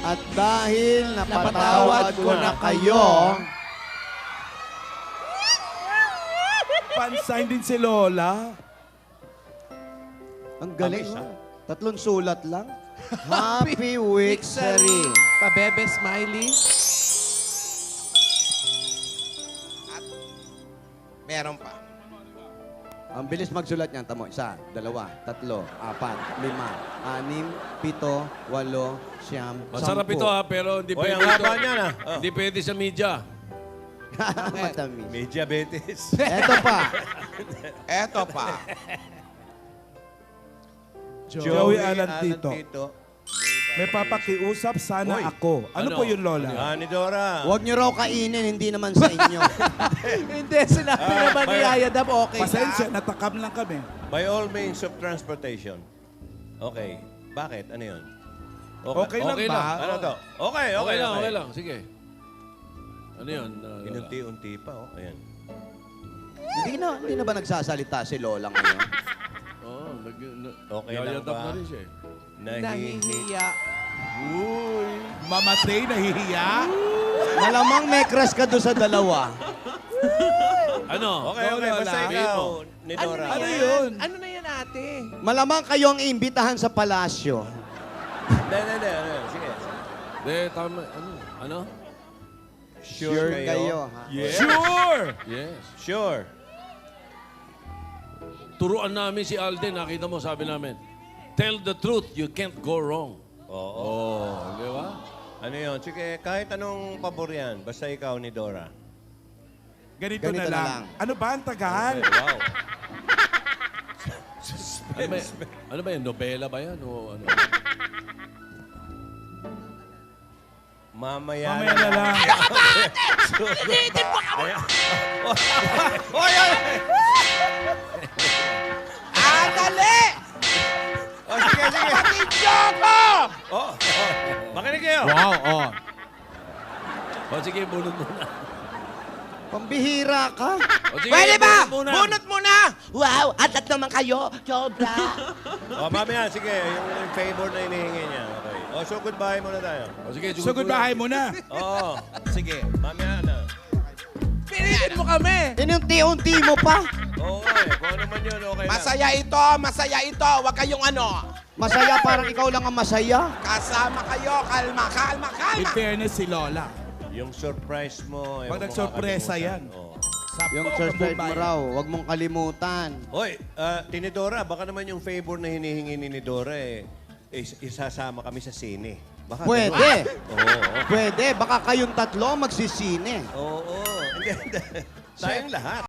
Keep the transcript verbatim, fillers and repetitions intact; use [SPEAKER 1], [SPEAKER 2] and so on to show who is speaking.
[SPEAKER 1] At dahil napatawad ko na kayo,
[SPEAKER 2] Pansign din si Lola.
[SPEAKER 1] ang galing, no? Tatlong sulat lang. Happy Wixery.
[SPEAKER 3] Pabebe Smiley.
[SPEAKER 4] Meron pa.
[SPEAKER 1] Ang bilis magsulat niyan. Tamo, isa, dalawa, tatlo, apat, lima, anim, pito, walo, siyam,
[SPEAKER 5] Masarap
[SPEAKER 1] sampu.
[SPEAKER 5] ito ha, pero hindi
[SPEAKER 6] Oy,
[SPEAKER 5] pwede
[SPEAKER 6] ang
[SPEAKER 5] ito.
[SPEAKER 6] haba niyan, ah. Oh.
[SPEAKER 5] Hindi pwede sa media.
[SPEAKER 1] Matamis.
[SPEAKER 6] May diabetes.
[SPEAKER 1] Eto pa.
[SPEAKER 4] Eto pa.
[SPEAKER 2] Joey Alan Tito. May papakiusap sana
[SPEAKER 6] Hoy.
[SPEAKER 2] ako. Ano,
[SPEAKER 5] Ano?
[SPEAKER 2] po yun, Lola?
[SPEAKER 6] Ah, ni Dora.
[SPEAKER 1] Huwag niyo raw kainin, hindi naman sa inyo.
[SPEAKER 3] Hindi, sinabi
[SPEAKER 6] Ah,
[SPEAKER 3] naman ni
[SPEAKER 6] bayan.
[SPEAKER 3] Ayadab, okay
[SPEAKER 2] Pasensya,
[SPEAKER 3] na.
[SPEAKER 2] natakam lang kami.
[SPEAKER 6] By all means of transportation. Okay. Bakit? Ano yun?
[SPEAKER 2] Okay lang
[SPEAKER 5] Okay
[SPEAKER 2] ba?
[SPEAKER 5] lang.
[SPEAKER 6] Ano to? Okay, okay,
[SPEAKER 5] Okay lang, okay lang. Sige. Ano yun? uh, Lola?
[SPEAKER 6] Inunti-unti pa, oh. Ayan.
[SPEAKER 1] hindi na hindi na ba nagsasalita si Lola ngayon?
[SPEAKER 5] Oo, nag... na-
[SPEAKER 6] Okay lang
[SPEAKER 5] yayadap
[SPEAKER 6] ba?
[SPEAKER 5] na rin siya eh.
[SPEAKER 6] Nahihi.
[SPEAKER 3] Nahihiya.
[SPEAKER 2] Mama Trey, nahihiya?
[SPEAKER 1] Malamang may crush ka doon sa dalawa.
[SPEAKER 5] Ano?
[SPEAKER 6] Okay, okay.
[SPEAKER 2] Lola.
[SPEAKER 6] Basta
[SPEAKER 5] Sabihin
[SPEAKER 6] ikaw,
[SPEAKER 5] mo.
[SPEAKER 6] ni
[SPEAKER 3] Ano
[SPEAKER 6] Dora.
[SPEAKER 3] na
[SPEAKER 2] Ano
[SPEAKER 3] yan?
[SPEAKER 2] yun?
[SPEAKER 3] Ano na yan, ate?
[SPEAKER 1] Malamang kayo ang iimbitahan sa palasyo.
[SPEAKER 6] Hindi, hindi, hindi. Ano yun? Sige.
[SPEAKER 5] Hindi, tama. Ano? Ano?
[SPEAKER 6] Sure, kayo?
[SPEAKER 1] ha?
[SPEAKER 6] Yes.
[SPEAKER 2] Sure!
[SPEAKER 5] Yes.
[SPEAKER 6] Sure.
[SPEAKER 5] Turuan namin si Alden. Nakita mo, sabi namin, tell the truth, you can't go wrong.
[SPEAKER 6] Oo.
[SPEAKER 5] Oh, di ba?
[SPEAKER 6] Ano yun? Sige, kahit anong pabor yan, basta ikaw ni Dora.
[SPEAKER 2] Ganito,
[SPEAKER 1] Ganito
[SPEAKER 2] na,
[SPEAKER 1] na
[SPEAKER 2] lang.
[SPEAKER 1] lang.
[SPEAKER 2] Ano ba ang tagal?
[SPEAKER 6] Okay, wow.
[SPEAKER 5] Ano ba, ano ba yan? Nobela ba yan? O ano?
[SPEAKER 6] Mamaya,
[SPEAKER 2] Mamaya na lang.
[SPEAKER 6] Pilitin mo kami! Oy, oy!
[SPEAKER 3] Ah, dali!
[SPEAKER 6] Oh, sige, sige.
[SPEAKER 3] Patidyo ko!
[SPEAKER 6] Oh, oh. Makinig kayo.
[SPEAKER 5] Wow, oh. O sige, bunot muna.
[SPEAKER 1] Pambihira ka.
[SPEAKER 5] O sige,
[SPEAKER 3] Pwede ba?
[SPEAKER 5] bunot muna.
[SPEAKER 3] Bunot muna! Wow, atat naman kayo. Sobra.
[SPEAKER 6] Oh, mamaya, sige. Yung, yung favor na hinihingi niya. Okay. Oh, so goodbye muna tayo.
[SPEAKER 5] O sige,
[SPEAKER 2] So, goodbye mo na.
[SPEAKER 6] Oo. Sige, mamaya na.
[SPEAKER 3] Pilitin mo kami.
[SPEAKER 1] Inunti-unti mo pa.
[SPEAKER 6] Oo, eh. Kung ano man yun, okay lang.
[SPEAKER 4] Masaya ito, masaya ito. Huwag kayong ano.
[SPEAKER 1] Masaya, parang ikaw lang ang masaya.
[SPEAKER 4] Kasama kayo. Kalma, kalma,
[SPEAKER 2] In
[SPEAKER 4] kalma.
[SPEAKER 2] fairness si Lola.
[SPEAKER 6] Yung surprise mo, eh,
[SPEAKER 2] Pag
[SPEAKER 6] huwag mo
[SPEAKER 2] nagsorpresa
[SPEAKER 6] kakalimutan.
[SPEAKER 2] yan.
[SPEAKER 6] Oo.
[SPEAKER 2] Sapo
[SPEAKER 1] Yung
[SPEAKER 2] ang
[SPEAKER 1] surprise mo
[SPEAKER 2] Bombay.
[SPEAKER 1] raw, huwag mong kalimutan.
[SPEAKER 6] Hoy, uh, Tinidora, baka naman yung favor na hinihingi ni Nidora, eh, is- isasama kami sa sine. Baka
[SPEAKER 1] Pwede.
[SPEAKER 6] ganun. Oo, oo.
[SPEAKER 1] Pwede. Baka kayong tatlo magsisine.
[SPEAKER 6] Oo, oo. Hindi, hindi. Tayong lahat.